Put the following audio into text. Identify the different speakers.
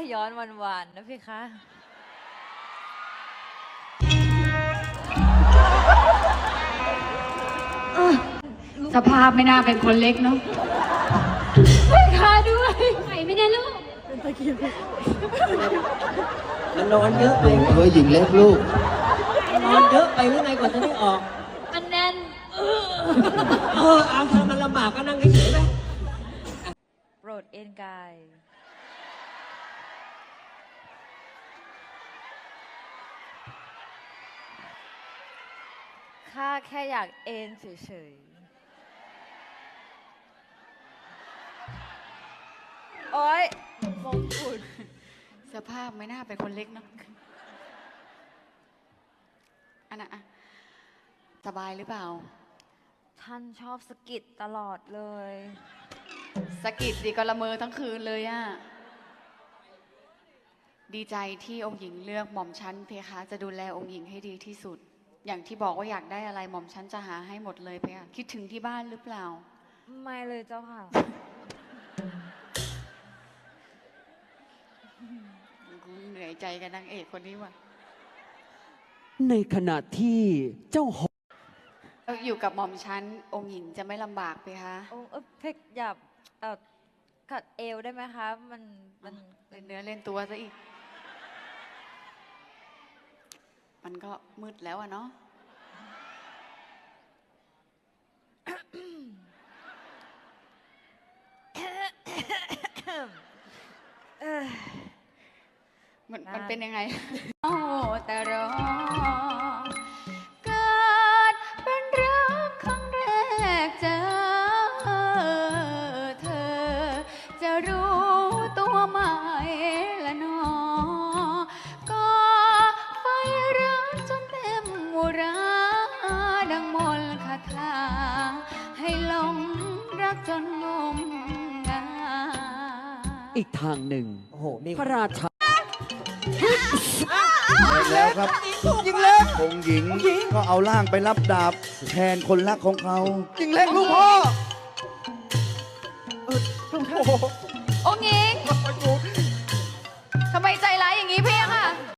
Speaker 1: ย้อนหวานๆนะพี่คะ
Speaker 2: สภาพไม่น่าเป็นคนเล็กเนาะไม่ค่ะด้วยไหวไม่ได้ลูก
Speaker 3: มันนอนเยอะไป
Speaker 4: เฮ้ยหญิงเล็กลูก
Speaker 3: นอนเยอะไปหรือไงกว่าจะได้ออก
Speaker 1: มันแน่น
Speaker 3: เอาถ้ามันลำบากก็นั่งเฉยๆไป
Speaker 1: โปรดเอนกายข้าแค่อยากเอนเฉยๆ โอ๊ยมงกุฎ
Speaker 2: สภาพไม่น่าเป็นคนเล็กเนาะอันน่ะอะสบายหรือเปล่า
Speaker 1: ท่านชอบสะกิดตลอดเลย
Speaker 2: สะกิดดิก็ละเมอทั้งคืนเลยอะดีใจที่องค์หญิงเลือกหม่อมชั้นเพคะจะดูแลองค์หญิงให้ดีที่สุด อย่างที่บอกว่าอยากได้อะไรหม่อมชั้นจะหาให้หมดเลยเพคะคิดถึงที่บ้านหรือเปล่า
Speaker 1: ไม่เลยเจ้าค่ะ
Speaker 2: เหนื่อยใจกับนางเอกคนนี้ว่ะ
Speaker 5: ในขณะที่เจ้าหอ
Speaker 2: อยู่กับหม่อมชั้นองค์หญิงจะไม่ลำบากเพคะ
Speaker 1: โอ้เพกอยากกัดเอวได้ไหมคะ มัน
Speaker 2: เล่นเนื้อเล่นตัวซะอีก มันก็มืดแล้วอะเนาะ มันเป็นยังไง โอ้แต่รอ เกิดเป็นรักครั้งแรกเจอเธอ จะรู้ตัวไหมละหนอ ก็ไฟรักจนเต็มอุราดังมนต์คาถาให้หลงรักจนงมงาย
Speaker 5: อีกทางหนึ่ง
Speaker 3: โอ้โห มี
Speaker 5: พระราชา
Speaker 4: แล้วครับ
Speaker 3: ยิงเล็ก
Speaker 4: องค์หญิงก็เอาร่างไปรับดาบแทนคนรักของเขา
Speaker 3: ยิงเล็กลูกพ่อ
Speaker 2: องค์หญิงทำไมใจร้ายอย่างนี้พี่อะค่ะ